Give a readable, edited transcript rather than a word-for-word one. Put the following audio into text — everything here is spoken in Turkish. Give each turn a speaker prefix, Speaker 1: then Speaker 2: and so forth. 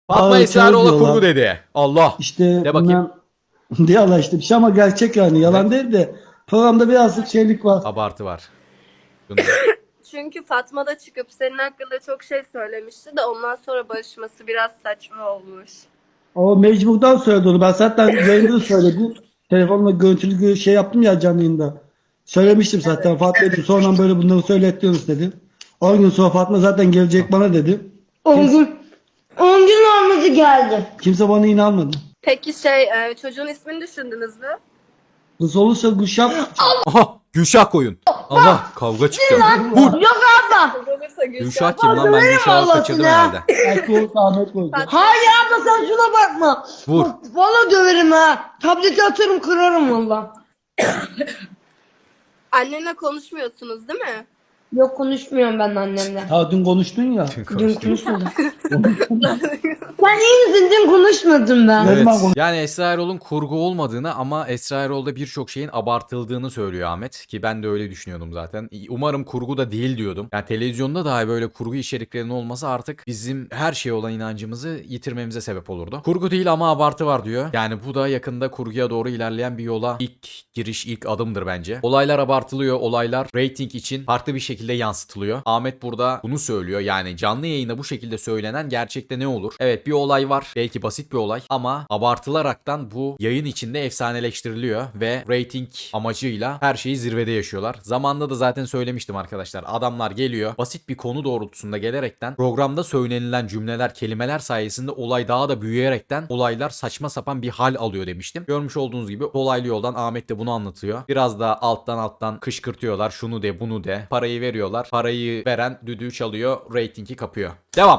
Speaker 1: Fatma
Speaker 2: Ağır
Speaker 1: Esraroğlu
Speaker 2: diyorlar.
Speaker 1: kurgu dedi. Allah.
Speaker 2: İşte
Speaker 1: De bakayım.
Speaker 2: diyorlar işte bir şey ama gerçek yani yalan değil de programda birazcık şeylik var.
Speaker 1: Abartı var. Bunda.
Speaker 3: Çünkü Fatma da çıkıp senin hakkında çok şey söylemişti de ondan sonra barışması biraz saçma olmuş.
Speaker 2: O mecburdan söyledi onu. Ben zaten yayında da söyledim. Telefonla görüntülü şey yaptım ya canlı yayında. Söylemiştim zaten Fatma dedim. Sonra böyle bunları söylettiyoruz dedim. 10 gün sonra Fatma zaten gelecek bana dedi.
Speaker 4: 10 gün. 10 gün olmadı geldi.
Speaker 2: Kimse bana inanmadı.
Speaker 3: Peki çocuğun ismini düşündünüz mü?
Speaker 2: Kız olursa Gülşah
Speaker 1: Aha Gülşah koyun. Allah kavga çıktı. Vur.
Speaker 4: Yok abla.
Speaker 3: Kız olursa
Speaker 1: Gülşah kim lan? Ben
Speaker 4: Verim
Speaker 1: Gülşah'ı
Speaker 4: Allah'ını
Speaker 1: kaçırdım
Speaker 4: ya.
Speaker 1: herhalde.
Speaker 2: belki olursa Ahmet koyacak.
Speaker 4: Hayır abla sen şuna bakma.
Speaker 1: Vur.
Speaker 4: Valla döverim ha. Tableti atarım kırarım valla.
Speaker 3: Annenle konuşmuyorsunuz değil mi?
Speaker 4: Yok konuşmuyorum ben annemle.
Speaker 2: Ha dün konuştun ya.
Speaker 4: Dün konuşmadım. Sen iyi misin? Dün konuşmadım ben.
Speaker 2: Ne
Speaker 1: Evet.
Speaker 2: zaman konuş-
Speaker 1: Yani Esra Erol'un kurgu olmadığını ama Esra Erol'da birçok şeyin abartıldığını söylüyor Ahmet. Ki ben de öyle düşünüyordum zaten. Umarım kurgu da değil diyordum. Yani televizyonda dahi böyle kurgu içeriklerinin olması artık bizim her şeye olan inancımızı yitirmemize sebep olurdu. Kurgu değil ama abartı var diyor. Yani bu da yakında kurguya doğru ilerleyen bir yola ilk giriş, ilk adımdır bence. Olaylar abartılıyor. Olaylar rating için farklı bir şekilde yansıtılıyor. Ahmet burada bunu söylüyor. Yani canlı yayında bu şekilde söylenen gerçekte ne olur? Evet bir olay var. Belki basit bir olay ama abartılaraktan bu yayın içinde efsaneleştiriliyor ve rating amacıyla her şeyi zirvede yaşıyorlar. Zamanında da zaten söylemiştim arkadaşlar. Adamlar geliyor basit bir konu doğrultusunda gelerekten programda söylenilen cümleler, kelimeler sayesinde olay daha da büyüyerekten olaylar saçma sapan bir hal alıyor demiştim. Görmüş olduğunuz gibi dolaylı yoldan Ahmet de bunu anlatıyor. Biraz da alttan kışkırtıyorlar. Şunu de bunu de. Parayı veriyorlar. Parayı veren düdüğü çalıyor. Ratingi kapıyor. Devam.